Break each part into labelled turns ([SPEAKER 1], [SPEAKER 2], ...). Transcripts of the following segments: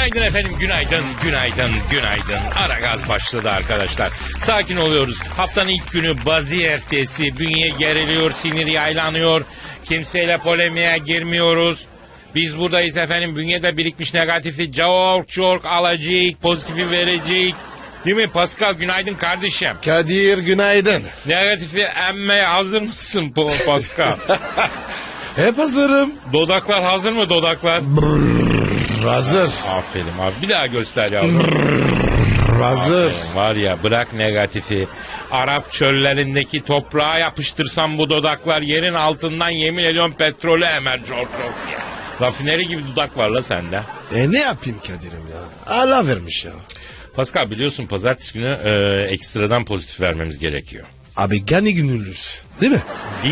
[SPEAKER 1] Günaydın efendim, günaydın. Aragaz başladı arkadaşlar. Sakin oluyoruz. Haftanın ilk günü bazı ertesi. Bünye geriliyor, sinir yaylanıyor. Kimseyle polemiğe girmiyoruz. Biz buradayız efendim. Bünyede birikmiş negatifi çok alacak, pozitifi verecek. Değil mi Pascal? Günaydın kardeşim.
[SPEAKER 2] Kadir günaydın.
[SPEAKER 1] Negatifi emmeye hazır mısın Pascal?
[SPEAKER 2] Hep hazırım.
[SPEAKER 1] Dodaklar hazır mı dodaklar?
[SPEAKER 2] Hazır.
[SPEAKER 1] Aferin abi. Bir daha göster yavrum.
[SPEAKER 2] Hazır.
[SPEAKER 1] Aferin, var ya bırak negatifi. Arap çöllerindeki toprağa yapıştırsam bu dodaklar yerin altından yemin ediyorum petrolü emer çok ya. Rafineri gibi dudak var la sende.
[SPEAKER 2] Ne yapayım Kadir'im ya? Allah vermiş ya.
[SPEAKER 1] Pascal biliyorsun pazartesi günü ekstradan pozitif vermemiz gerekiyor.
[SPEAKER 2] Abi gani günürüz. Değil mi?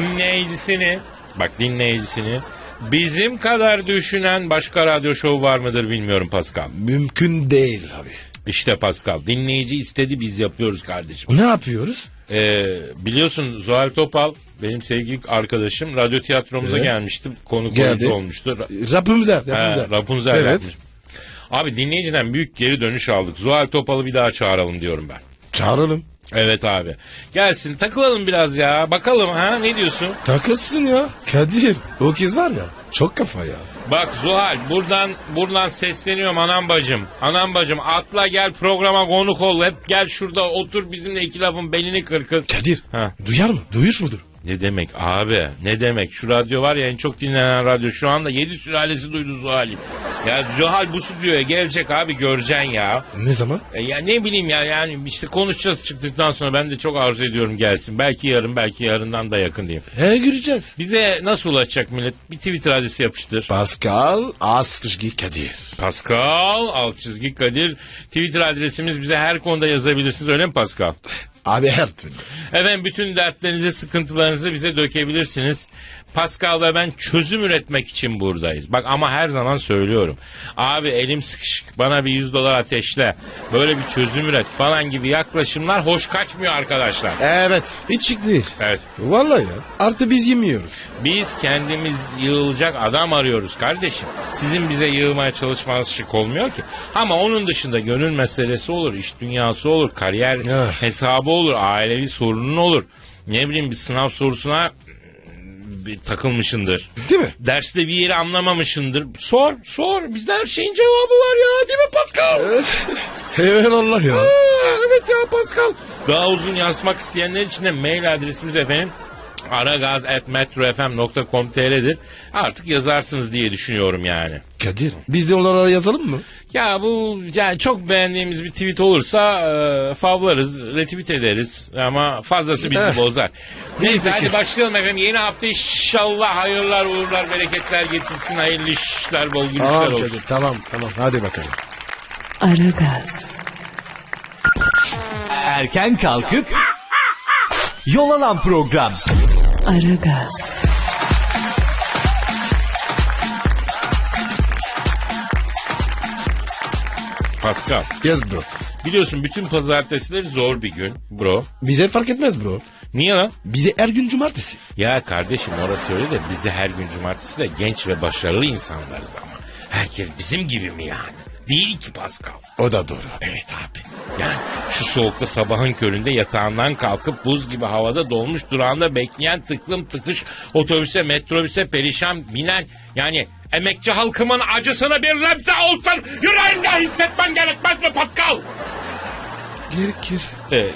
[SPEAKER 1] Dinleyicisini bizim kadar düşünen başka radyo şovu var mıdır bilmiyorum Pascal.
[SPEAKER 2] Mümkün değil abi.
[SPEAKER 1] İşte Pascal dinleyici istedi biz yapıyoruz kardeşim.
[SPEAKER 2] Ne yapıyoruz?
[SPEAKER 1] Biliyorsun Zuhal Topal benim sevgili arkadaşım radyo tiyatromuza gelmişti. Konuk olmuştu.
[SPEAKER 2] Rapunzel.
[SPEAKER 1] Rapunzel
[SPEAKER 2] evet.
[SPEAKER 1] yapmış. Abi dinleyiciden büyük geri dönüş aldık. Zuhal Topal'ı bir daha çağıralım diyorum ben.
[SPEAKER 2] Çağıralım.
[SPEAKER 1] Evet abi. Gelsin takılalım biraz ya. Bakalım ha ne diyorsun?
[SPEAKER 2] Takılsın ya. Kadir o kız var ya çok kafa ya.
[SPEAKER 1] Bak Zuhal buradan sesleniyorum anam bacım atla gel programa konuk ol. Hep gel şurada otur bizimle iki lafın belini kır kız.
[SPEAKER 2] Kadir
[SPEAKER 1] Ha.
[SPEAKER 2] duyar mı? Duyuş mudur?
[SPEAKER 1] Ne demek abi ne demek şu radyo var ya en çok dinlenen radyo şu anda 7 sülalesi duydu Zuhal'i. Ya Zuhal bu stüdyoya gelecek abi göreceksin ya.
[SPEAKER 2] Ne zaman?
[SPEAKER 1] Ya ne bileyim ya yani işte konuşacağız çıktıktan sonra ben de çok arzu ediyorum gelsin. Belki yarın belki yarından da yakın diyeyim.
[SPEAKER 2] Göreceğiz.
[SPEAKER 1] Bize nasıl ulaşacak millet? Bir Twitter adresi yapıştır.
[SPEAKER 2] Pascal Askışgi Kadir.
[SPEAKER 1] Pascal _ Kadir. Twitter adresimiz bize her konuda yazabilirsiniz öyle mi Pascal?
[SPEAKER 2] Abi her türlü.
[SPEAKER 1] Efendim bütün dertlerinizi, sıkıntılarınızı bize dökebilirsiniz. Pascal ve ben çözüm üretmek için buradayız. Bak ama her zaman söylüyorum. Abi elim sıkışık bana bir $100 ateşle. Böyle bir çözüm üret falan gibi yaklaşımlar hoş kaçmıyor arkadaşlar.
[SPEAKER 2] Evet. Hiç şık değil.
[SPEAKER 1] Evet.
[SPEAKER 2] Vallahi ya. Artı biz yemiyoruz.
[SPEAKER 1] Biz kendimiz yığılacak adam arıyoruz kardeşim. Sizin bize yığmaya çalışmanız şık olmuyor ki. Ama onun dışında gönül meselesi olur, iş dünyası olur, kariyer hesabı olur, ailevi sorunun olur. Ne bileyim bir sınav sorusuna takılmışındır.
[SPEAKER 2] Değil mi?
[SPEAKER 1] Derste bir yeri anlamamışındır. Sor. Bizde her şeyin cevabı var ya. Değil mi Pascal?
[SPEAKER 2] Eyvallah ya.
[SPEAKER 1] Evet ya Pascal. Daha uzun yazmak isteyenler için de mail adresimiz efendim aragaz@metrofm.com.tr'dir. Artık yazarsınız diye düşünüyorum yani.
[SPEAKER 2] Kadir biz de onlara yazalım mı?
[SPEAKER 1] Ya bu yani çok beğendiğimiz bir tweet olursa favlarız, retweet ederiz ama fazlası bizi bozar. Neyse hadi başlayalım efendim. Yeni hafta inşallah hayırlar, uğurlar, bereketler getirsin. Hayırlı işler, bol gülüşler olsun.
[SPEAKER 2] Kadir, tamam hadi bakalım.
[SPEAKER 3] Aragaz.
[SPEAKER 4] Erken kalkıp yol alan program.
[SPEAKER 3] Aragaz.
[SPEAKER 1] Pascal.
[SPEAKER 2] Yes bro.
[SPEAKER 1] Biliyorsun bütün pazartesileri zor bir gün bro.
[SPEAKER 2] Bize fark etmez bro.
[SPEAKER 1] Niye lan?
[SPEAKER 2] Bize her gün cumartesi.
[SPEAKER 1] Ya kardeşim orası öyle de bizi her gün cumartesi de genç ve başarılı insanlarız ama. Herkes bizim gibi mi yani? Değil ki Pascal.
[SPEAKER 2] O da doğru.
[SPEAKER 1] Evet abi. Yani şu soğukta sabahın köründe yatağından kalkıp buz gibi havada dolmuş durağında bekleyen tıklım tıkış otobüse metrobüse perişan binen yani emekçi halkımın acısını bir nebze olsun yüreğinde hissetmen gerekmez mi Pascal?
[SPEAKER 2] Gerekir.
[SPEAKER 1] Evet.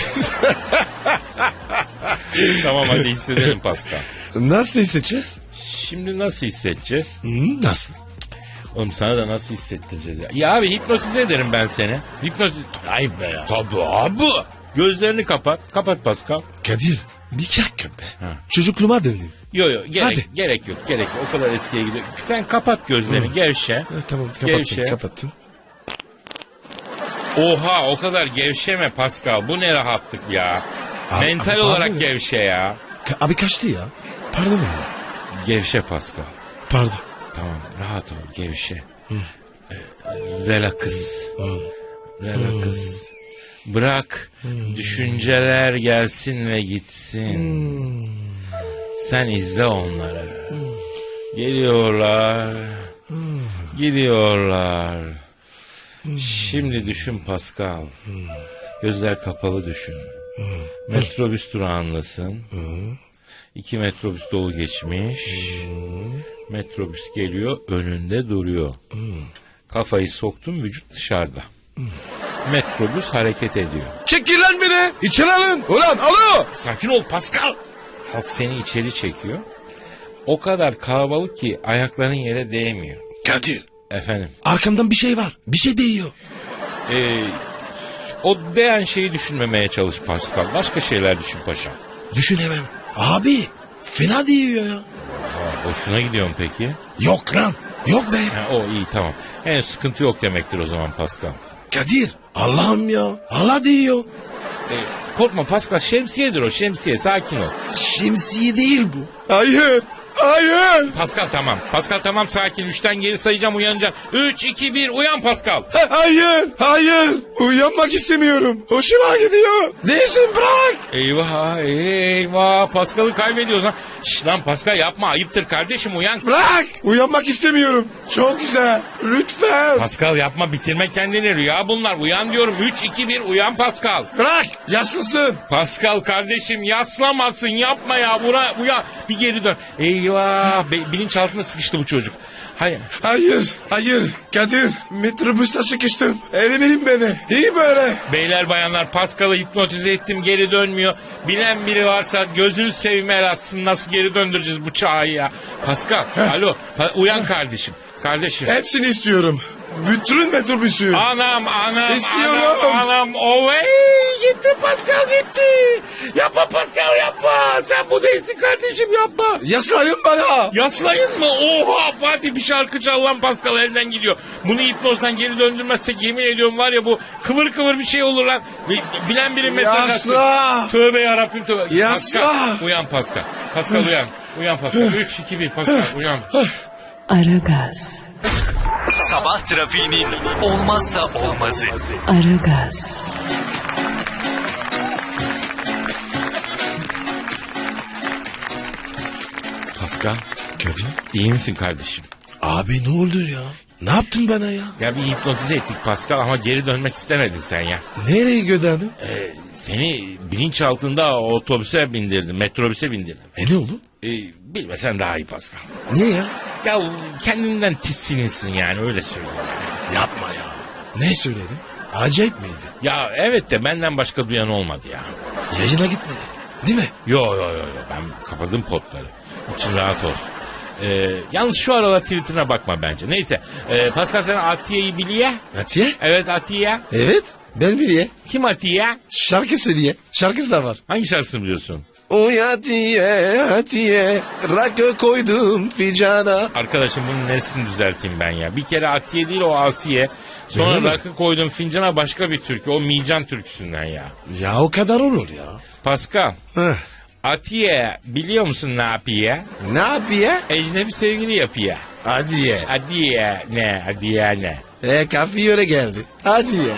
[SPEAKER 1] Tamam hadi hissedelim Pascal.
[SPEAKER 2] Nasıl hissedeceğiz?
[SPEAKER 1] Şimdi nasıl hissedeceğiz?
[SPEAKER 2] Nasıl?
[SPEAKER 1] Oğlum sana da nasıl hissettireceğiz ya? Ya abi hipnotize ederim ben seni.
[SPEAKER 2] Ayıp be ya.
[SPEAKER 1] Tabii abi. Gözlerini kapat. Kapat Pascal.
[SPEAKER 2] Kadir bir dakika be.
[SPEAKER 1] Ha.
[SPEAKER 2] Çocukluğuma döndüm.
[SPEAKER 1] Yok
[SPEAKER 2] Hadi.
[SPEAKER 1] gerek yok. O kadar eskiye gidiyor. Sen kapat gözlerini gevşe.
[SPEAKER 2] Tamam
[SPEAKER 1] Gevşe.
[SPEAKER 2] kapattım.
[SPEAKER 1] Oha o kadar gevşeme Pascal. Bu ne rahatlık ya.
[SPEAKER 2] Abi,
[SPEAKER 1] Mental
[SPEAKER 2] abi,
[SPEAKER 1] olarak
[SPEAKER 2] abi.
[SPEAKER 1] gevşe ya.
[SPEAKER 2] Abi kaçtı ya. Pardon ya.
[SPEAKER 1] Gevşe Pascal.
[SPEAKER 2] Pardon.
[SPEAKER 1] Tamam rahat ol gevşe. Relax. Relax. Bırak düşünceler gelsin ve gitsin. Sen izle onları. Geliyorlar. Gidiyorlar. Şimdi düşün Pascal. Gözler kapalı düşün. Metrobüs durağındasın. 2 metrobüs dolu geçmiş. Metrobüs geliyor, önünde duruyor. Kafayı soktun, vücut dışarıda. Metrobüs hareket ediyor.
[SPEAKER 2] Çekil lan beni. İçeri alın. Ulan alo.
[SPEAKER 1] Sakin ol Pascal. Halk seni içeri çekiyor. O kadar kalabalık ki ayakların yere değmiyor.
[SPEAKER 2] Kadir.
[SPEAKER 1] Efendim.
[SPEAKER 2] Arkamdan bir şey var. Bir şey değiyor.
[SPEAKER 1] O değen şeyi düşünmemeye çalış Pascal. Başka şeyler düşün paşam.
[SPEAKER 2] Düşünemem. Abi fena değiyor ya.
[SPEAKER 1] Hoşuna gidiyor mu peki?
[SPEAKER 2] Yok lan. Yok be.
[SPEAKER 1] Ha, o iyi tamam. Henüz sıkıntı yok demektir o zaman Pascal.
[SPEAKER 2] Kadir. Allah'ım ya. Allah değiyor.
[SPEAKER 1] Korkma Pascal, şemsiyedir o, şemsiye, sakin ol.
[SPEAKER 2] Şemsiye değil bu. Hayır. Hayır.
[SPEAKER 1] Pascal tamam. Pascal tamam, sakin. 3'ten geri sayacağım, uyanacaksın. 3, 2, 1 uyan Pascal.
[SPEAKER 2] Hayır. Hayır. Uyanmak istemiyorum. Hoşuma gidiyor. Değilsin bırak.
[SPEAKER 1] Eyvah eyvah, Pascal'ı kaybediyoruz ha. Şş lan Pascal yapma, ayıptır kardeşim, uyan.
[SPEAKER 2] Bırak. Uyanmak istemiyorum. Çok güzel. Lütfen.
[SPEAKER 1] Pascal yapma, bitirme kendini, rüya bunlar. Uyan diyorum, 3, 2, 1 uyan Pascal.
[SPEAKER 2] Bırak. Yaşlısın.
[SPEAKER 1] Pascal kardeşim yaslamasın, yapma ya, uyan. Bir geri dön. Eyvah, bilinçaltına sıkıştı bu çocuk. Hayır.
[SPEAKER 2] Hayır. Hayır. Kadir. Metrobüste sıkıştım. Verin beni. İyi böyle.
[SPEAKER 1] Beyler bayanlar, Pascal'ı hipnotize ettim, geri dönmüyor. Bilen biri varsa gözünü seveyim el atsın, nasıl geri döndüreceğiz bu çağı ya. Pascal alo, uyan kardeşim. Kardeşim.
[SPEAKER 2] Hepsini istiyorum. Bütün metrobüsü.
[SPEAKER 1] Anam
[SPEAKER 2] İstiyorum.
[SPEAKER 1] anam ovey, gitti Pascal gitti. Yapma Pascal yapma, sen bu değilsin kardeşim, yapma.
[SPEAKER 2] Yaslayın bana.
[SPEAKER 1] Yaslayın mı? Oha Fatih, bir şarkı çal lan, Pascal elden gidiyor. Bunu hipnozdan geri döndürmezsek yemin ediyorum var ya, bu kıvır kıvır bir şey olur lan. Bilen biri mesaj atsın.
[SPEAKER 2] Yasla.
[SPEAKER 1] Tövbe yarabbim tövbe.
[SPEAKER 2] Yasla.
[SPEAKER 1] Pascal uyan Pascal. Pascal uyan. Uyan Pascal. 3, 2, 1 Pascal uyan.
[SPEAKER 3] Aragaz,
[SPEAKER 4] Sabah trafiğinin olmazsa olmazı.
[SPEAKER 3] Aragaz,
[SPEAKER 1] Pascal
[SPEAKER 2] Kadir.
[SPEAKER 1] iyi misin kardeşim?
[SPEAKER 2] Abi ne oldu ya? Ne yaptın bana ya?
[SPEAKER 1] Ya bir hipnotize ettik Pascal ama geri dönmek istemedin sen ya.
[SPEAKER 2] Nereye gönderdin?
[SPEAKER 1] Seni bilinçaltında otobüse bindirdim, metrobüse bindirdim.
[SPEAKER 2] Ne oldu?
[SPEAKER 1] Bilmesen daha iyi Pascal.
[SPEAKER 2] Niye ya?
[SPEAKER 1] Ya kendinden tissinirsin yani, öyle söyleyeyim.
[SPEAKER 2] Yapma ya. Ne söyledin? Acayip miydi?
[SPEAKER 1] Ya evet de benden başka duyan olmadı ya.
[SPEAKER 2] Yayına gitmedi. Değil mi?
[SPEAKER 1] Yo ben kapadım potları. İçin rahat olsun. Yalnız şu aralar Twitter'ına bakma bence. Neyse. Pascal sen Atiye'yi biliyor.
[SPEAKER 2] Atiye?
[SPEAKER 1] Evet Atiye.
[SPEAKER 2] Evet. Ben biliye.
[SPEAKER 1] Kim Atiye?
[SPEAKER 2] Şarkı söyleye. Şarkısı da var.
[SPEAKER 1] Hangi şarkısını biliyorsun?
[SPEAKER 2] Oy Atiye, Atiye, rakı koydum ficana.
[SPEAKER 1] Arkadaşım bunun neresini düzelteyim ben ya? Bir kere Atiye değil, o Asiye. Sonra
[SPEAKER 2] Öyle mi?
[SPEAKER 1] rakı koydum fincana, başka bir türkü. O Mican türküsünden ya.
[SPEAKER 2] Ya o kadar olur ya.
[SPEAKER 1] Pascal.
[SPEAKER 2] Heh.
[SPEAKER 1] Atiye biliyor musun ne yapıyor?
[SPEAKER 2] Ne yapıyor?
[SPEAKER 1] Ecnebi sevgili yapıyor.
[SPEAKER 2] Hadi ye.
[SPEAKER 1] Adiye ne? Adiye ne?
[SPEAKER 2] Kafi öyle geldi. Hadi ye.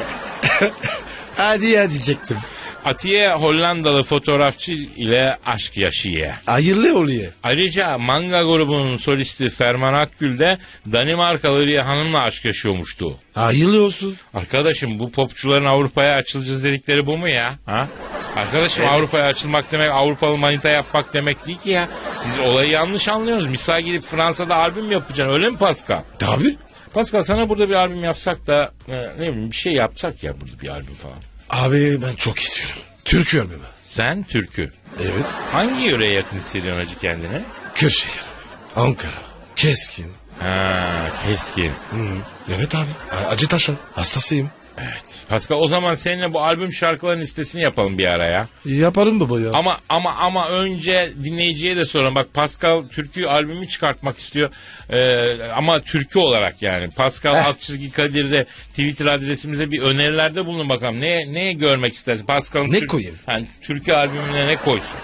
[SPEAKER 2] Hadi ya diyecektim.
[SPEAKER 1] Atiye Hollandalı fotoğrafçı ile aşk yaşıyor.
[SPEAKER 2] Hayırlı oluyor.
[SPEAKER 1] Ayrıca Manga grubunun solisti Ferman Akgül de Danimarkalı bir hanımla aşk yaşıyormuştu.
[SPEAKER 2] Hayırlı olsun.
[SPEAKER 1] Arkadaşım bu popçuların Avrupa'ya açılacağız dedikleri bu mu ya? Ha? Arkadaşım
[SPEAKER 2] Evet.
[SPEAKER 1] Avrupa'ya açılmak demek Avrupalı manita yapmak demek değil ki ya. Siz olayı yanlış anlıyorsunuz. Misal gidip Fransa'da albüm yapacaksın, öyle mi Pascal?
[SPEAKER 2] Tabii.
[SPEAKER 1] Pascal sana burada bir albüm yapsak da ne bileyim bir şey yapsak ya, burada bir albüm falan.
[SPEAKER 2] Abi ben çok istiyorum. Türk albümü.
[SPEAKER 1] Sen türkü.
[SPEAKER 2] Evet.
[SPEAKER 1] Hangi yöreye yakın hissediyorsun hacı kendini?
[SPEAKER 2] Kırşehir. Ankara. Keskin.
[SPEAKER 1] Ha, keskin.
[SPEAKER 2] Evet abi. Acıtaş'ın hastasıyım.
[SPEAKER 1] Evet. Pascal o zaman seninle bu albüm şarkıların listesini yapalım bir ara ya.
[SPEAKER 2] Yaparım baba ya.
[SPEAKER 1] Ama önce dinleyiciye de soralım. Bak Pascal türkü albümü çıkartmak istiyor. Ama türkü olarak yani. Pascal _Kadir'de Twitter adresimize bir önerilerde bulun bakalım. Ne görmek istersin? Pascal'ın
[SPEAKER 2] Ne koyayım?
[SPEAKER 1] Yani türkü albümüne ne koysun?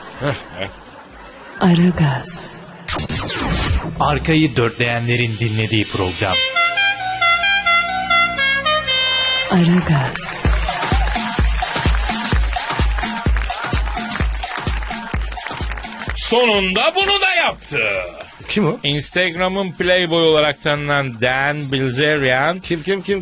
[SPEAKER 3] Aragaz,
[SPEAKER 4] Arkayı dörtleyenlerin dinlediği program.
[SPEAKER 3] Aragaz,
[SPEAKER 1] Sonunda bunu da yaptı.
[SPEAKER 2] Kim o?
[SPEAKER 1] Instagram'ın Playboy olarak tanınan Dan Bilzerian.
[SPEAKER 2] Kim?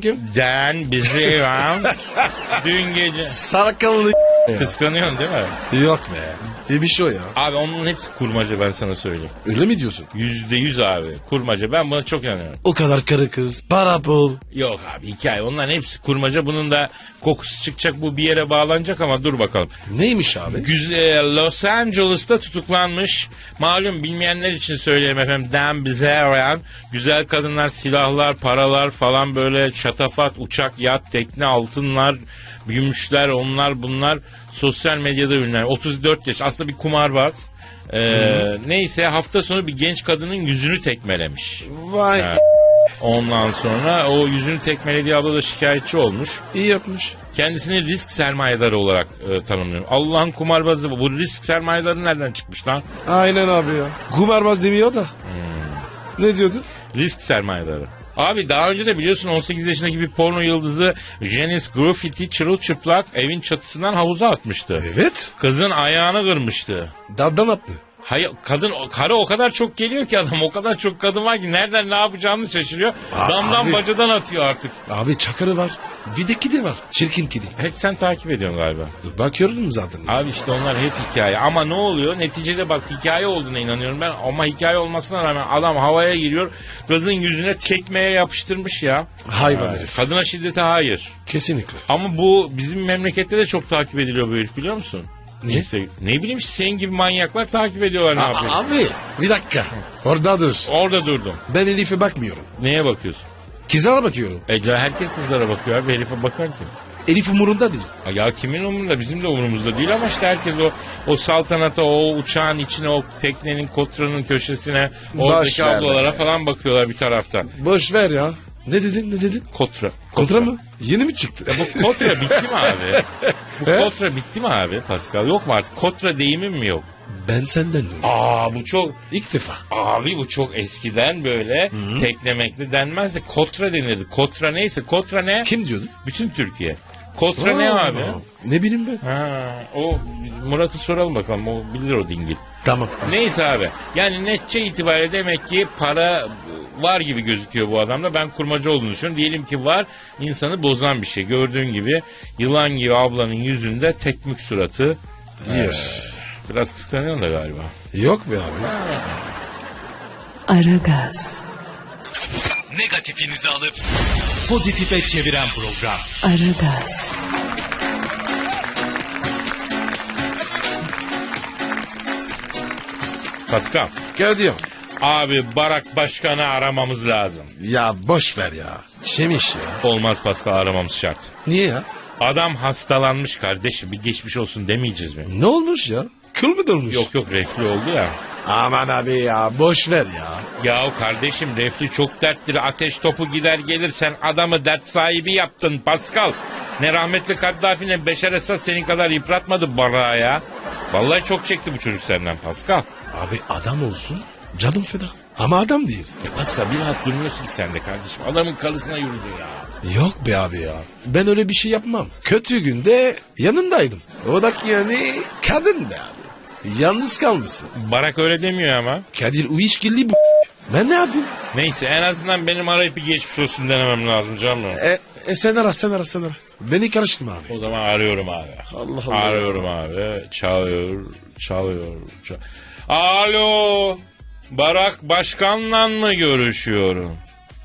[SPEAKER 1] Dan Bilzerian. Dün gece...
[SPEAKER 2] Sarakalı
[SPEAKER 1] Kıskanıyorsun değil mi?
[SPEAKER 2] Yok be. İyi bir şey o ya.
[SPEAKER 1] Abi onun hepsi kurmaca, ben sana söyleyeyim.
[SPEAKER 2] Öyle mi diyorsun?
[SPEAKER 1] %100 abi. Kurmaca. Ben buna çok inanıyorum.
[SPEAKER 2] O kadar karı kız. Para pul.
[SPEAKER 1] Yok abi, hikaye. Onların hepsi kurmaca. Bunun da kokusu çıkacak, bu bir yere bağlanacak ama dur bakalım.
[SPEAKER 2] Neymiş abi?
[SPEAKER 1] Güzel, Los Angeles'ta tutuklanmış. Malum, bilmeyenler için söyleyeyim efendim. Dan Bilzerian. Güzel kadınlar, silahlar, paralar falan, böyle şatafat, uçak, yat, tekne, altınlar, gümüşler, onlar bunlar. Sosyal medyada ünlü. 34 yaş. Aslında bir kumarbaz. Neyse, hafta sonu bir genç kadının yüzünü tekmelemiş.
[SPEAKER 2] Vay.
[SPEAKER 1] Ha. Ondan sonra o yüzünü tekmelediği abla da şikayetçi olmuş.
[SPEAKER 2] İyi yapmış.
[SPEAKER 1] Kendisini risk sermayedarı olarak tanımlıyor. Allah'ın kumarbazı bu. Bu risk sermayedarı nereden çıkmış lan?
[SPEAKER 2] Aynen abi ya. Kumarbaz demiyor da. Ne diyordun?
[SPEAKER 1] Risk sermayedarı. Abi daha önce de biliyorsun 18 yaşındaki bir porno yıldızı Janice Graffiti çırılçıplak evin çatısından havuza atmıştı.
[SPEAKER 2] Evet.
[SPEAKER 1] Kızın ayağını kırmıştı.
[SPEAKER 2] Daldan attı.
[SPEAKER 1] Hayır, karı o kadar çok geliyor ki adam, o kadar çok kadın var ki nereden ne yapacağını şaşırıyor. Damdan
[SPEAKER 2] abi.
[SPEAKER 1] bacadan atıyor artık.
[SPEAKER 2] Abi çakarı var. Bir de kedi var. Çirkin kedi.
[SPEAKER 1] Hep sen takip ediyorsun galiba.
[SPEAKER 2] Bakıyorum zaten.
[SPEAKER 1] Abi işte onlar hep hikaye. Ama ne oluyor? Neticede bak, hikaye olduğuna inanıyorum ben. Ama hikaye olmasına rağmen adam havaya giriyor. Kızın yüzüne tekmeye yapıştırmış ya.
[SPEAKER 2] Hayvan herif.
[SPEAKER 1] Kadına şiddete hayır.
[SPEAKER 2] Kesinlikle.
[SPEAKER 1] Ama bu bizim memlekette de çok takip ediliyor bu herif, biliyor musun?
[SPEAKER 2] Niye?
[SPEAKER 1] İşte, ne bileyim işte, senin gibi manyaklar takip ediyorlar, ne yapıyor?
[SPEAKER 2] Abi bir dakika. Orada dur.
[SPEAKER 1] Orada durdum.
[SPEAKER 2] Ben Elif'e bakmıyorum.
[SPEAKER 1] Neye bakıyorsun?
[SPEAKER 2] Kızlara bakıyorum.
[SPEAKER 1] Herkes kızlara bakıyor abi. Herife bakan kim?
[SPEAKER 2] Elif umurunda değil.
[SPEAKER 1] Ya kimin umurunda? Bizim de umurumuzda değil ama işte herkes o saltanata, o uçağın içine, o teknenin, kotranın köşesine, oradaki
[SPEAKER 2] ver
[SPEAKER 1] ablalara
[SPEAKER 2] be.
[SPEAKER 1] falan bakıyorlar bir taraftan.
[SPEAKER 2] Boş ver ya. Ne dedin?
[SPEAKER 1] Kotra.
[SPEAKER 2] Kontra mı? Yeni mi çıktı?
[SPEAKER 1] Bu kotra bitti mi abi? Bu kotra bitti mi abi Pascal? Yok mu artık? Kotra deyimim mi yok?
[SPEAKER 2] Ben senden duydum.
[SPEAKER 1] Bu çok...
[SPEAKER 2] İlk defa.
[SPEAKER 1] Abi bu çok eskiden böyle teklemekli denmezdi. Kotra denirdi. Kotra neyse. Kotra ne?
[SPEAKER 2] Kim diyordu?
[SPEAKER 1] Bütün Türkiye. Kotra ne abi?
[SPEAKER 2] Ne bileyim ben.
[SPEAKER 1] O Murat'ı soralım bakalım. O bilir o dingil.
[SPEAKER 2] Tamam.
[SPEAKER 1] Neyse abi. Yani netçe itibariyle demek ki para var gibi gözüküyor bu adamda. Ben kurmacı olduğunu düşünüyorum. Diyelim ki var, insanı bozan bir şey. Gördüğün gibi yılan gibi ablanın yüzünde tekmük suratı.
[SPEAKER 2] Yes.
[SPEAKER 1] Biraz kıskanıyorsun da galiba.
[SPEAKER 2] Yok be abi.
[SPEAKER 3] Aragaz,
[SPEAKER 4] Negatifinizi alıp pozitife çeviren program.
[SPEAKER 3] Aragaz,
[SPEAKER 1] Pascal.
[SPEAKER 2] Gel diyorum.
[SPEAKER 1] Abi Barak Başkan'ı aramamız lazım.
[SPEAKER 2] Ya boş ver ya. Çemiş ya.
[SPEAKER 1] Olmaz Pascal, aramamız şart.
[SPEAKER 2] Niye ya?
[SPEAKER 1] Adam hastalanmış kardeşim, bir geçmiş olsun demeyeceğiz mi?
[SPEAKER 2] Ne olmuş ya? Kıl mı dolmuş?
[SPEAKER 1] Yok reflü oldu ya.
[SPEAKER 2] Aman abi ya boş ver ya.
[SPEAKER 1] Ya kardeşim, reflü çok derttir. Ateş topu gider gelir, sen adamı dert sahibi yaptın Pascal. Ne rahmetli Kaddafi ne Beşar Esad senin kadar yıpratmadı Barak'a ya. Vallahi çok çekti bu çocuk senden Pascal.
[SPEAKER 2] Abi adam olsun canım feda. Ama adam değil.
[SPEAKER 1] Pascal bir rahat durmuyorsun ki sen de kardeşim. Adamın karısına yürüdün ya.
[SPEAKER 2] Yok be abi ya. Ben öyle bir şey yapmam. Kötü günde yanındaydım. O da ki yani kadın be abi. Yalnız kalmışsın.
[SPEAKER 1] Barak öyle demiyor ama.
[SPEAKER 2] Kadir Uyuşgilli bu. Ben ne yapayım?
[SPEAKER 1] Neyse, en azından benim arayıp bir geçmiş olsun denemem lazım canım.
[SPEAKER 2] Sen ara. Beni karıştırma abi.
[SPEAKER 1] O zaman arıyorum abi.
[SPEAKER 2] Allah Allah.
[SPEAKER 1] Arıyorum abi. Çalıyor. Alo. Barak Başkan'la mı görüşüyorum?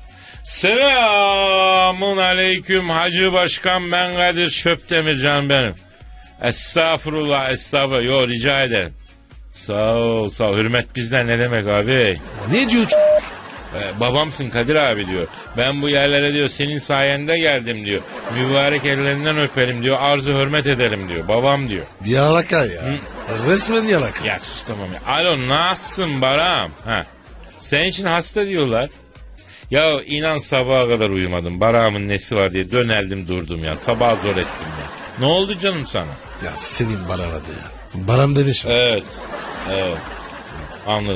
[SPEAKER 1] Selamun aleyküm Hacı Başkan, ben Kadir Şöpdemircan benim. Estağfurullah. Yo, rica ederim. Sağ ol. Hürmet bizden ne demek abi?
[SPEAKER 2] Ne diyor?
[SPEAKER 1] Babamsın Kadir abi diyor. Ben bu yerlere diyor senin sayende geldim diyor. Mübarek ellerinden öperim diyor. Arzu hürmet edelim diyor. Babam diyor.
[SPEAKER 2] Yalaka ya. Resmen yalaka.
[SPEAKER 1] Ya sus tamam ya. Alo, nasılsın Baram? Senin için hasta diyorlar. Ya inan sabaha kadar uyumadım. Baram'ın nesi var diye döneldim durdum ya. Sabah zor ettim ya. Ne oldu canım sana?
[SPEAKER 2] Ya senin Baran adı ya. Baran demiş mi?
[SPEAKER 1] Evet. Anladım.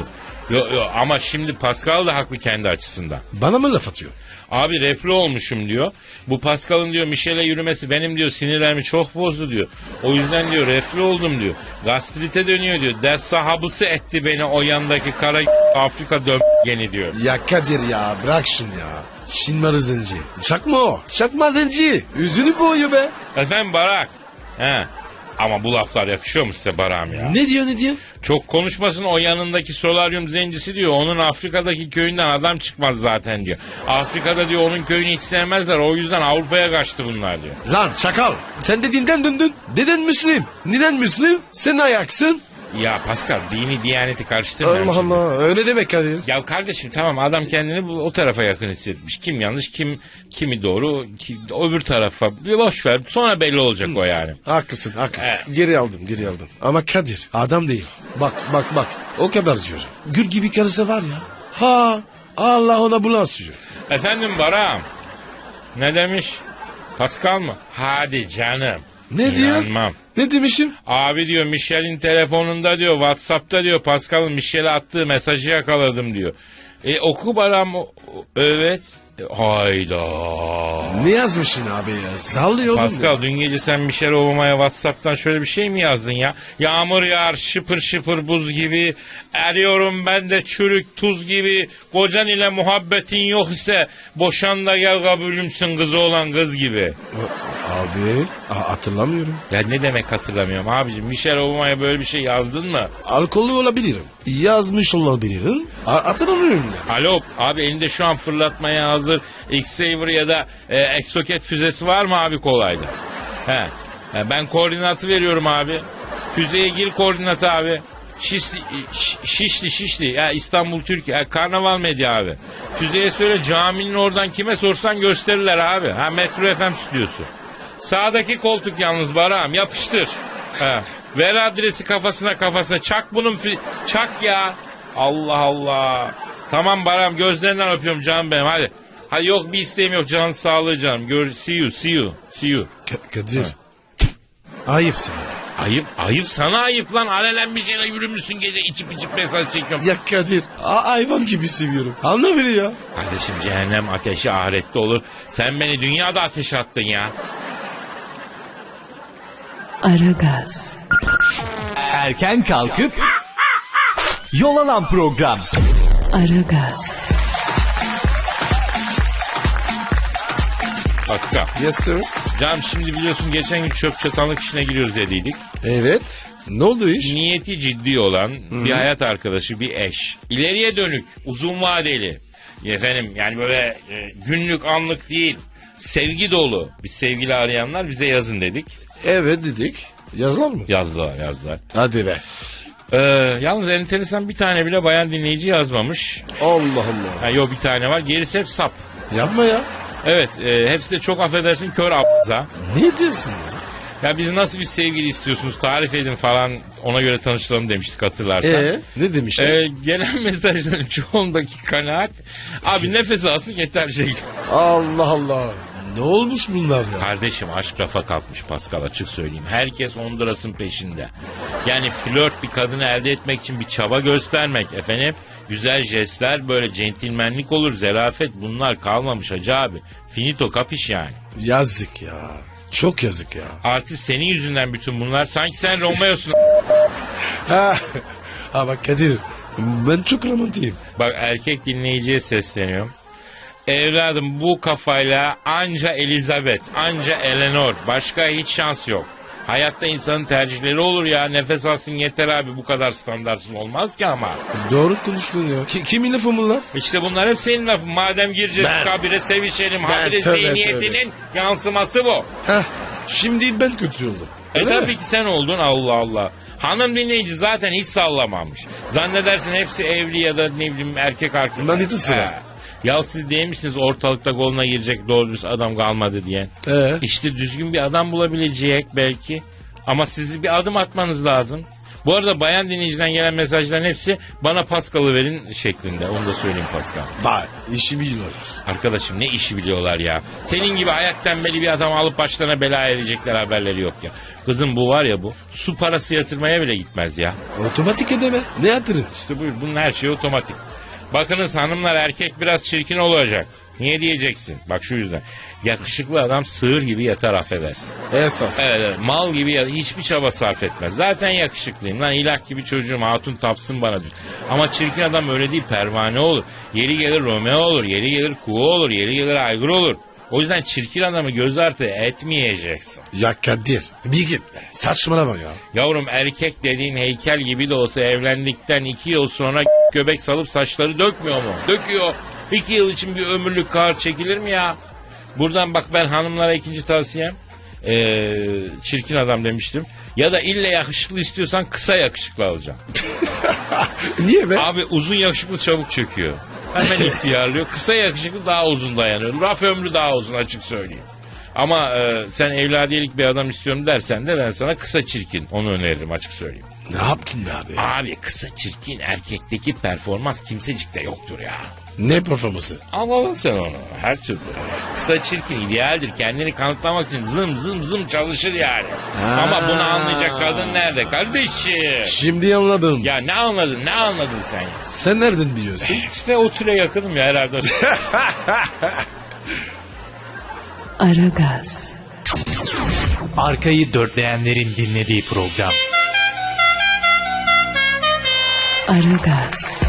[SPEAKER 1] Yo, ama şimdi Pascal da haklı kendi açısından.
[SPEAKER 2] Bana mı laf atıyor?
[SPEAKER 1] Abi reflü olmuşum diyor. Bu Pascal'ın diyor Michel'e yürümesi benim diyor sinirlerimi çok bozdu diyor. O yüzden diyor reflü oldum diyor. Gastrite dönüyor diyor. Ders sahabısı etti beni o yandaki kara Afrika geni diyor.
[SPEAKER 2] Ya Kadir ya bırak şunu ya. Şinmarı zenci. Çakma o. Çakma zenci. Yüzünü boğuyor be.
[SPEAKER 1] Efendim Barak. He. Ama bu laflar yakışıyor mu size Barak'ım ya?
[SPEAKER 2] Ne diyor?
[SPEAKER 1] Çok konuşmasın o yanındaki solaryum zencisi diyor. Onun Afrika'daki köyünden adam çıkmaz zaten diyor. Afrika'da diyor onun köyünü hiç sevmezler. O yüzden Avrupa'ya kaçtı bunlar diyor.
[SPEAKER 2] Lan çakal. Sen de dinden döndün. Deden Müslüm. Neden Müslüm? Sen ayaksın.
[SPEAKER 1] Ya Pascal dini diyaneti karıştırmayalım
[SPEAKER 2] Allah
[SPEAKER 1] şimdi.
[SPEAKER 2] Allah. Öyle demek Kadir.
[SPEAKER 1] Ya kardeşim tamam adam kendini o tarafa yakın hissetmiş. Kim yanlış kimi doğru öbür tarafa. Bir boş ver sonra belli olacak o yani.
[SPEAKER 2] Haklısın. Geri aldım. Ama Kadir adam değil. Bak. O kadar diyor. Gül gibi karısı var ya. Ha Allah ona bulaşıyor.
[SPEAKER 1] Efendim Barak'ım. Ne demiş? Pascal mı? Hadi canım.
[SPEAKER 2] Ne diyor?
[SPEAKER 1] İnanmam.
[SPEAKER 2] Ne demişim?
[SPEAKER 1] Abi diyor Michel'in telefonunda diyor WhatsApp'ta diyor Pascal'ın Michel'e attığı mesajı yakaladım diyor. Oku Barak'ım. Evet. Hayda.
[SPEAKER 2] Ne yazmışsın abi ya? Sallıyordun.
[SPEAKER 1] Pascal dün gece sen Michelle Obama'ya WhatsApp'tan şöyle bir şey mi yazdın ya? Yağmur yağar şıpır şıpır buz gibi. Eriyorum ben de çürük tuz gibi. Kocan ile muhabbetin yok ise boşan da gel kabulümsün kızı olan kız gibi.
[SPEAKER 2] Abi hatırlamıyorum.
[SPEAKER 1] Ya ne demek hatırlamıyorum abicim. Michelle Obama'ya böyle bir şey yazdın mı?
[SPEAKER 2] Alkollü olabilirim. Yazmış olabilirim. Hatırlamıyorum ya.
[SPEAKER 1] Alo abi elinde şu an fırlatmaya hazır X-Saver ya da Exocet füzesi var mı abi kolayda? He. Ben koordinatı veriyorum abi. Füzeye gir koordinatı abi. Şişli. Ya İstanbul Türkiye. Karnaval Medya abi. Füzeye söyle caminin oradan kime sorsan gösterirler abi. Ha Metro FM stüdyosu. Sağdaki koltuk yalnız Barak'ım yapıştır. Ha. Ver adresi kafasına çak bunun çak ya. Allah Allah. Tamam Barak'ım gözlerinden öpüyorum canım benim hadi. Ha yok bir isteğim yok canın sağlığı canım. See you.
[SPEAKER 2] Kadir. Ayıp sana.
[SPEAKER 1] Ayıp sana ayıp lan. Alelen bir şeyle yürümüşsün gece içip mesaj çekiyorum.
[SPEAKER 2] Ya Kadir hayvan gibi seviyorum. Anla beni ya.
[SPEAKER 1] Kardeşim cehennem ateşi ahirette olur. Sen beni dünyada ateşe attın ya.
[SPEAKER 3] Aragaz,
[SPEAKER 4] Erken kalkıp yol alan program.
[SPEAKER 3] Aragaz,
[SPEAKER 1] Pascal.
[SPEAKER 2] Yes sir.
[SPEAKER 1] Canım şimdi biliyorsun geçen gün çöp çatanlık işine giriyoruz dediydik.
[SPEAKER 2] Evet. Ne oldu iş?
[SPEAKER 1] Niyeti ciddi olan bir hayat arkadaşı, bir eş. İleriye dönük, uzun vadeli. Efendim yani böyle günlük anlık değil. Sevgi dolu bir sevgili arayanlar bize yazın dedik.
[SPEAKER 2] Evet dedik. Yazılar mı?
[SPEAKER 1] Yazdılar.
[SPEAKER 2] Hadi be.
[SPEAKER 1] Yalnız enteresan bir tane bile bayan dinleyici yazmamış.
[SPEAKER 2] Allah Allah.
[SPEAKER 1] Ha, yok bir tane var. Gerisi hep sap.
[SPEAKER 2] Yapma ya.
[SPEAKER 1] Evet hepsi de çok affedersin kör a**za.
[SPEAKER 2] Ne diyorsun ya?
[SPEAKER 1] Ya biz nasıl bir sevgili istiyorsunuz tarif edin falan ona göre tanıştıralım demiştik hatırlarsan.
[SPEAKER 2] Ne demişler?
[SPEAKER 1] Gelen mesajların çoğundaki kanaat abi nefes alsın yeter şey.
[SPEAKER 2] Allah Allah. Ne olmuş bunlar ya?
[SPEAKER 1] Kardeşim aşk rafa kalkmış Pascal açık söyleyeyim. Herkes Honduras'ın peşinde. Yani flört bir kadını elde etmek için bir çaba göstermek efendim. Güzel jestler böyle centilmenlik olur zarafet bunlar kalmamış hacı abi. Finito kapiş yani.
[SPEAKER 2] Yazık ya. Çok yazık ya.
[SPEAKER 1] Artist senin yüzünden bütün bunlar. Sanki sen Romeo'sun.
[SPEAKER 2] Ha bak Kadir. Ben çok romantiyim.
[SPEAKER 1] Bak erkek dinleyiciye sesleniyorum. Evladım bu kafayla anca Elizabeth, anca Eleanor. Başka hiç şans yok. Hayatta insanın tercihleri olur ya. Nefes alsın yeter abi. Bu kadar standartsız olmaz ki ama.
[SPEAKER 2] Doğru konuştun ya. Kimin lafı bunlar?
[SPEAKER 1] İşte bunlar hep senin lafın. Madem gireceğiz kabire sevişelim. Habire
[SPEAKER 2] tövbe,
[SPEAKER 1] zihniyetinin yansıması bu.
[SPEAKER 2] Heh, şimdi ben kötü oldum. Öyle mi?
[SPEAKER 1] Tabii ki sen oldun Allah Allah. Hanım dinleyici zaten hiç sallamamış. Zannedersin hepsi evli ya da ne bileyim erkek arkadaş.
[SPEAKER 2] Manitası var.
[SPEAKER 1] Ya siz değil misiniz ortalıkta koluna girecek doğru dürüst adam kalmadı diye. İşte düzgün bir adam bulabilecek belki. Ama siz bir adım atmanız lazım. Bu arada bayan dinleyiciden gelen mesajların hepsi bana Pascal'ı verin şeklinde. Onu da söyleyeyim Pascal.
[SPEAKER 2] Vay işi biliyorlar.
[SPEAKER 1] Arkadaşım ne işi biliyorlar ya. Senin gibi ayak tembeli bir adam alıp başlarına bela edecekler haberleri yok ya. Kızım bu var ya bu. Su parası yatırmaya bile gitmez ya.
[SPEAKER 2] Otomatik ödeme. Ne yatırım?
[SPEAKER 1] İşte buyur bunun her şeyi otomatik. Bakınız hanımlar erkek biraz çirkin olacak. Niye diyeceksin? Bak şu yüzden. Yakışıklı adam sığır gibi yatar affedersin.
[SPEAKER 2] Estağfurullah.
[SPEAKER 1] Evet, mal gibi yatar. Hiçbir çaba sarf etmez. Zaten yakışıklıyım lan ilah gibi çocuğum hatun tapsın bana diyor. Ama çirkin adam öyle değil pervane olur. Yeri gelir Romeo olur. Yeri gelir Kuğu olur. Yeri gelir Aygır olur. O yüzden çirkin adamı göz ardı etmeyeceksin.
[SPEAKER 2] Ya Kadir bir git be. Saçmalama ya.
[SPEAKER 1] Yavrum erkek dediğin heykel gibi de olsa evlendikten 2 yıl sonra göbek salıp saçları dökmüyor mu? Döküyor. 2 yıl için bir ömürlük kar çekilir mi ya? Buradan bak ben hanımlara ikinci tavsiyem. Çirkin adam demiştim. Ya da ille yakışıklı istiyorsan kısa yakışıklı alacağım.
[SPEAKER 2] Niye be?
[SPEAKER 1] Abi uzun yakışıklı çabuk çöküyor. Hemen ihtiyarlıyor. Kısa yakışıklı daha uzun dayanıyor. Raf ömrü daha uzun açık söyleyeyim. Ama sen evladiyelik bir adam istiyorum dersen de ben sana kısa çirkin onu öneririm açık söyleyeyim.
[SPEAKER 2] Ne yaptın be abi?
[SPEAKER 1] Abi kısa çirkin erkekteki performans kimsecikte yoktur ya.
[SPEAKER 2] Ne performansı?
[SPEAKER 1] Al sen onu her türlü. Kısa çirkin idealdir. Kendini kanıtlamak için zım zım zım çalışır yani.
[SPEAKER 2] Ha.
[SPEAKER 1] Ama bunu anlayacak kadın nerede kardeşim?
[SPEAKER 2] Şimdi anladım.
[SPEAKER 1] Ya ne anladın sen ya?
[SPEAKER 2] Sen nereden biliyorsun?
[SPEAKER 1] İşte o türe yakınım ya herhalde.
[SPEAKER 3] Aragaz,
[SPEAKER 4] Arkayı dörtleyenlerin dinlediği program.
[SPEAKER 3] Aragaz,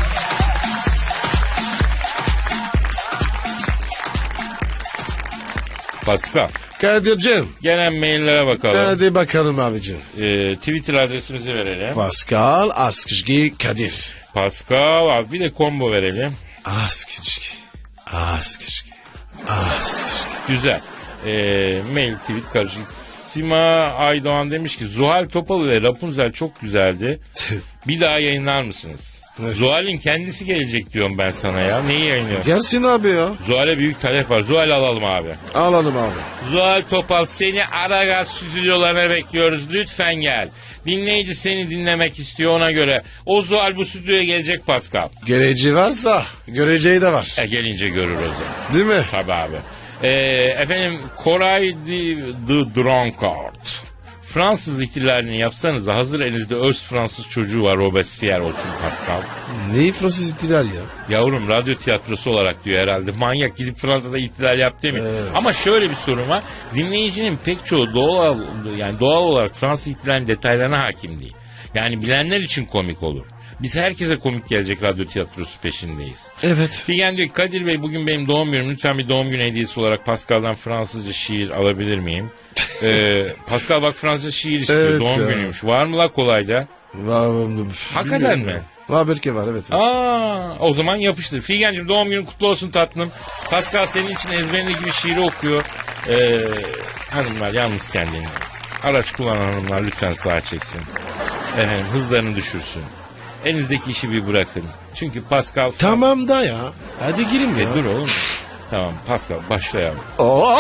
[SPEAKER 1] Pascal.
[SPEAKER 2] Kadir'cim.
[SPEAKER 1] Gelen maillere bakalım.
[SPEAKER 2] Hadi bakalım abicim.
[SPEAKER 1] Twitter adresimizi verelim.
[SPEAKER 2] Pascal Askışgi Kadir.
[SPEAKER 1] Pascal abi bir de combo verelim.
[SPEAKER 2] Askışgi. Askışgi. Askışgi.
[SPEAKER 1] Güzel. Mail tweet karışık. Sima Aydoğan demiş ki Zuhal Topal ile Rapunzel çok güzeldi. Bir daha yayınlar mısınız?
[SPEAKER 2] Evet.
[SPEAKER 1] Zuhal'in kendisi gelecek diyorum ben sana ya. Neyi yayınlıyor?
[SPEAKER 2] Gelsin abi ya.
[SPEAKER 1] Zuhal'e büyük talep var. Zuhal alalım abi.
[SPEAKER 2] Alalım abi.
[SPEAKER 1] Zuhal Topal seni Aragaz stüdyolarına bekliyoruz. Lütfen gel. Dinleyici seni dinlemek istiyor ona göre. O Zuhal bu stüdyoya gelecek Pascal.
[SPEAKER 2] Geleceği varsa göreceği de var.
[SPEAKER 1] Gelince görür o zaman.
[SPEAKER 2] Değil mi?
[SPEAKER 1] Tabii abi. Efendim Koray the Drunkard. Fransız ihtilalini yapsanız hazır elinizde öz Fransız çocuğu var Robespierre olsun Pascal.
[SPEAKER 2] Neyi Fransız ihtilal ya?
[SPEAKER 1] Yavrum radyo tiyatrosu olarak diyor herhalde. Manyak gidip Fransa'da ihtilal yap demiyor.
[SPEAKER 2] Evet.
[SPEAKER 1] Ama şöyle bir sorun var. Dinleyicinin pek çoğu doğal olarak Fransız ihtilalinin detaylarına hakim değil. Yani bilenler için komik olur. Biz herkese komik gelecek radyo tiyatrosu peşindeyiz.
[SPEAKER 2] Evet.
[SPEAKER 1] Figen diyor ki Kadir Bey bugün benim doğum günüm. Lütfen bir doğum günü hediyesi olarak Pascal'dan Fransızca şiir alabilir miyim? Pascal bak Fransızca şiir istiyor.
[SPEAKER 2] Evet
[SPEAKER 1] doğum
[SPEAKER 2] ya.
[SPEAKER 1] günüymüş. Var mı la kolayda? Hakikaten mi?
[SPEAKER 2] Var belki var evet.
[SPEAKER 1] O zaman yapıştır. Figen'cim doğum günün kutlu olsun tatlım. Pascal senin için ezberindeki bir şiiri okuyor. Hanımlar yalnız kendini. Araç kullanan hanımlar lütfen sağa çeksin. Efendim hızlarını düşürsün. Elinizdeki işi bir bırakın. Çünkü Pascal...
[SPEAKER 2] Tamam da ya. Hadi girin ya.
[SPEAKER 1] Dur oğlum. Tamam Pascal başlayalım.
[SPEAKER 2] Oo!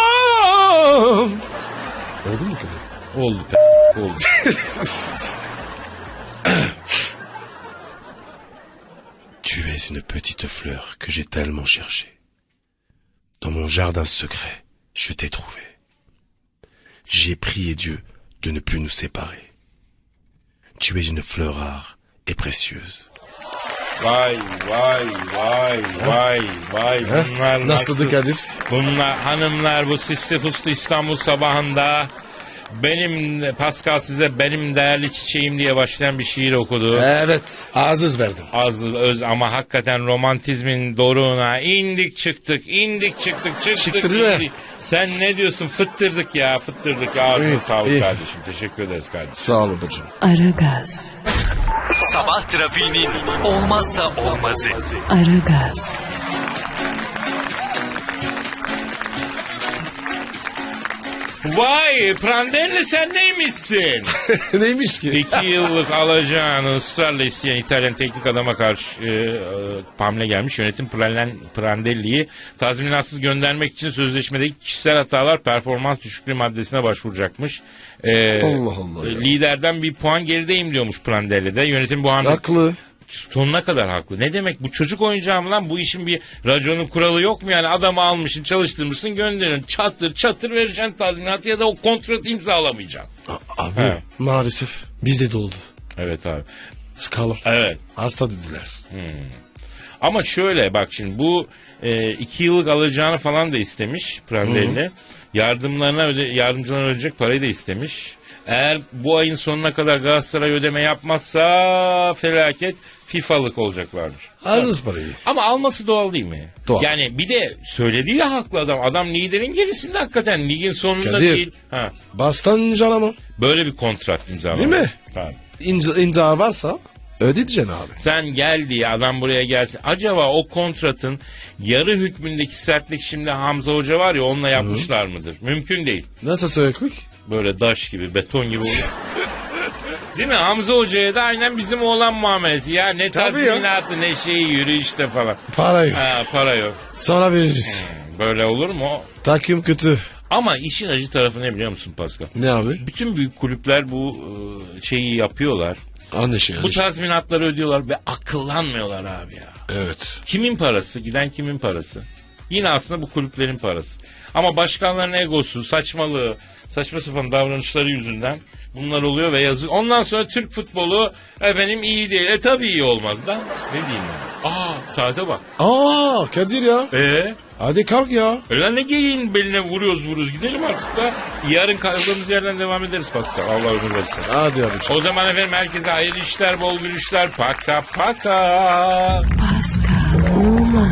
[SPEAKER 2] Oldu mu Kadir?
[SPEAKER 1] Oldu. Oldu.
[SPEAKER 2] Tu es une petite fleur que j'ai tellement cherchée. Dans mon jardin secret, je t'ai trouvé. J'ai prié Dieu de ne plus nous séparer. Tu es une fleur rare et précieuse.
[SPEAKER 1] Vay. Bunlar
[SPEAKER 2] Nasıldı Kadir?
[SPEAKER 1] Bunlar hanımlar bu sisli fıslı İstanbul sabahında benim Pascal size benim değerli çiçeğim diye başlayan bir şiir okudu.
[SPEAKER 2] Evet. Aziz verdim.
[SPEAKER 1] Az öz ama hakikaten romantizmin doruğuna indik çıktık.
[SPEAKER 2] Çıktı değil mi?
[SPEAKER 1] Sen ne diyorsun? Fıttırdık ya. Ağzına
[SPEAKER 2] İyi,
[SPEAKER 1] sağlık
[SPEAKER 2] iyi.
[SPEAKER 1] kardeşim. Teşekkür ederiz kardeşim.
[SPEAKER 2] Sağ ol babacığım.
[SPEAKER 3] Aragaz,
[SPEAKER 4] Sabah trafiğinin olmazsa olmazı.
[SPEAKER 3] Aragaz,
[SPEAKER 1] Vay Prandelli sen neymişsin?
[SPEAKER 2] Neymiş ki?
[SPEAKER 1] 2 yıllık alacağını ısrarla isteyen İtalyan teknik adama karşı hamle gelmiş. Yönetim Prandelli'yi tazminatsız göndermek için sözleşmedeki kişisel hatalar performans düşüklüğü maddesine başvuracakmış.
[SPEAKER 2] Allah Allah ya.
[SPEAKER 1] Liderden bir puan gerideyim diyormuş Prandelli'de. Yönetim bu hamle
[SPEAKER 2] Haklı.
[SPEAKER 1] sonuna kadar haklı. Ne demek bu çocuk oyuncağı mı lan? Bu işin bir raconu kuralı yok mu yani? Adamı almışsın, çalıştırmışsın, gönderiyorsun. Çatır çatır vereceksin tazminatı ya da o kontratı imzalamayacaksın.
[SPEAKER 2] Abi
[SPEAKER 1] He.
[SPEAKER 2] maalesef bizde de oldu.
[SPEAKER 1] Evet abi.
[SPEAKER 2] Skala.
[SPEAKER 1] Evet.
[SPEAKER 2] Hasta dediler.
[SPEAKER 1] Ama şöyle bak şimdi bu 2 yıllık alacağını falan da istemiş Prandelli. Yardımcılarına ödeyecek parayı da istemiş. Eğer bu ayın sonuna kadar Galatasaray ödeme yapmazsa felaket FIFA'lık olacaklardır.
[SPEAKER 2] Alırız parayı.
[SPEAKER 1] Ama alması doğal değil mi?
[SPEAKER 2] Doğal.
[SPEAKER 1] Yani bir de söylediği de haklı adam. Adam liderin gerisinde hakikaten. Ligin sonunda
[SPEAKER 2] Kadir.
[SPEAKER 1] değil. Ha.
[SPEAKER 2] Bastan canama.
[SPEAKER 1] Böyle bir kontrat imzalamış.
[SPEAKER 2] Değil mi?
[SPEAKER 1] Tabii.
[SPEAKER 2] İmza varsa ödeyeceksin abi.
[SPEAKER 1] Sen gel diye adam buraya gelsin. Acaba o kontratın yarı hükmündeki sertlik şimdi Hamza Hoca var ya onunla yapmışlar mıdır? Mümkün değil.
[SPEAKER 2] Nasıl söyleklik?
[SPEAKER 1] Böyle daş gibi, beton gibi olur. Değil mi? Hamza Hoca'ya da aynen bizim oğlan muamelesi. Ya ne
[SPEAKER 2] Tabii ya.
[SPEAKER 1] tazminatı ne şeyi yürüyüşte falan.
[SPEAKER 2] Para yok.
[SPEAKER 1] Ha, para yok.
[SPEAKER 2] Sonra veririz.
[SPEAKER 1] Böyle olur mu?
[SPEAKER 2] Takım kötü.
[SPEAKER 1] Ama işin acı tarafı ne biliyor musun Pascal?
[SPEAKER 2] Ne abi?
[SPEAKER 1] Bütün büyük kulüpler bu şeyi yapıyorlar.
[SPEAKER 2] Anlaşılıyor.
[SPEAKER 1] Bu tazminatları ödüyorlar ve akıllanmıyorlar abi ya.
[SPEAKER 2] Evet.
[SPEAKER 1] Kimin parası? Giden kimin parası? Yine aslında bu kulüplerin parası. Ama başkanların egosu, saçmalığı, saçma sapan davranışları yüzünden bunlar oluyor ve yazık. Ondan sonra Türk futbolu efendim iyi değil. Tabii iyi olmaz da. Ne diyeyim ben? Saate bak.
[SPEAKER 2] Kadir ya. Hadi kalk ya.
[SPEAKER 1] Öyle ne geyiğin beline vuruyoruz gidelim artık da. Yarın kaldığımız yerden devam ederiz Pascal. Allah ömür versin.
[SPEAKER 2] Hadi abi.
[SPEAKER 1] O zaman efendim herkese hayırlı işler, bol gülüşler. Paka paka.
[SPEAKER 3] Pascal, Oman,